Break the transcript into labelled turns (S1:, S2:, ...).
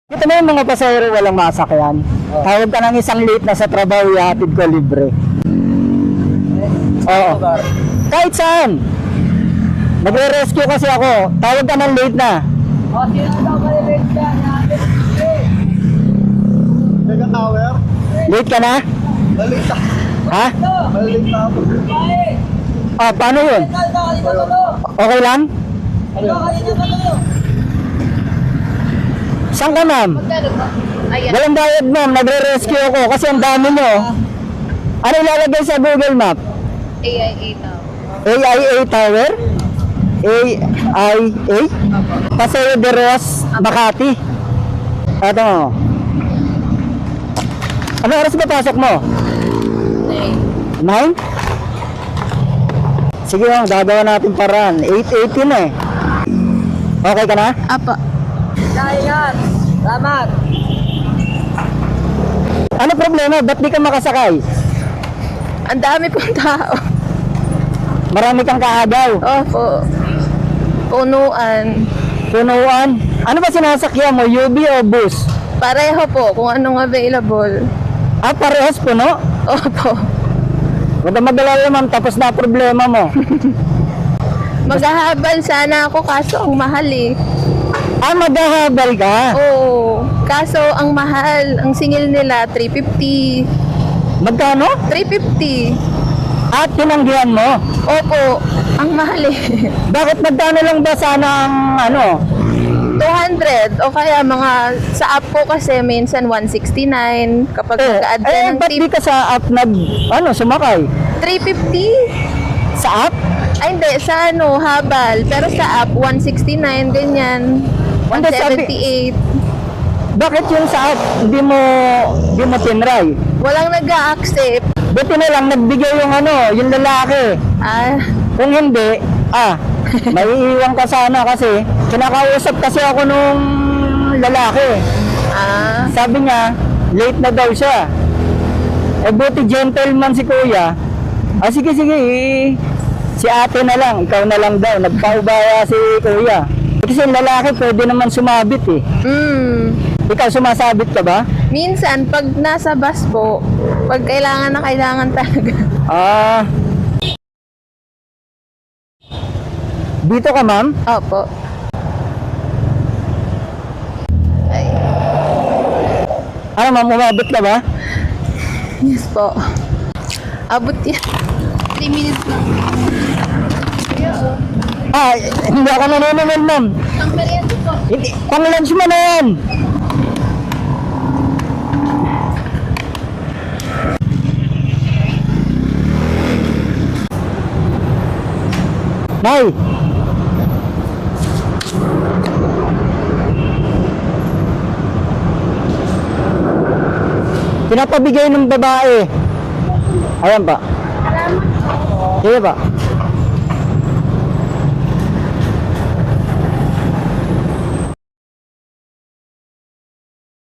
S1: Ito na yung mga pasahero walang masakyan. Tawag ka ng isang late na sa trabaho, ihatid ko libre. Oo. Kahit saan. Nagre-rescue kasi ako. Tawag ka ng late na.
S2: O, sino daw malilate ka?
S3: Mega Tower?
S1: Late ka na?
S3: Malita.
S1: Ha?
S3: Malita ako.
S1: Ah, paano yun? Okay lang? Saan ka, ma'am?
S2: Ayan.
S1: Walang bayad, ma'am. Nagre-rescue ako kasi ang dami nyo. Ano ilalagay sa Google Map?
S2: AIA daw.
S1: AIA Tower? AIA? Paseo de Roas, Makati. Ito mo. Ano oras ba pasok mo? 9? Sige lang, gagawa natin paraan. 8:18 eh. Okay ka na?
S2: Apa. Kaya salamat.
S1: Ano problema? Ba't di ka makasakay?
S2: Ang dami pong tao.
S1: Marami kang kaagaw.
S2: Opo. Punuan.
S1: Punuan. Ano ba sinasakyan mo? UB o bus?
S2: Pareho po kung anong available.
S1: Ah, parehas puno?
S2: Opo.
S1: Huwag ka mag-alala, ma'am. Tapos na problema mo.
S2: Maghahabal sana ako kaso ang mahal eh.
S1: Ah, maghahabal ka?
S2: Oo. Kaso ang mahal. Ang singil nila 350.
S1: Magkano?
S2: 350.
S1: At tinanggihan mo?
S2: Opo. Ang mahal eh.
S1: Bakit magkano lang ba sana ang ano?
S2: 200 o kaya mga sa app ko kasi minsan 169 kapag nag-add ka ng
S1: ba't
S2: tip.
S1: di ka sa app sumakay?
S2: 350
S1: Sa app?
S2: ay hindi sa habal pero sa app 169 ganyan
S1: Hindi,
S2: 178
S1: Bakit yung sa app hindi mo tinry?
S2: walang nag-a-accept.
S1: Buti na lang nagbigay yung lalaki. Kung hindi, maiiwan ka sana kasi kinakausap kasi ako nung lalaki. Sabi niya, late na daw siya. Eh buti gentleman si kuya. Sige, si ate na lang, ikaw na lang daw. Nagpaubaya si kuya. Kasi yung lalaki pwede naman sumabit eh. Ikaw sumasabit ka ba?
S2: Minsan pag nasa bus po pag kailangan na kailangan talaga.
S1: Dito ka, ma'am?
S2: Opo.
S1: Ano, ma'am, umabot ka ba?
S2: Yes po. Abot yan. 3 minutes lang.
S1: Hindi ako nanonood, ma'am.
S2: Ang merienda po.
S1: Hindi, pang lunch mo na yan. Nay! Pinapabigay ng babae. Ayan pa. Sige pa.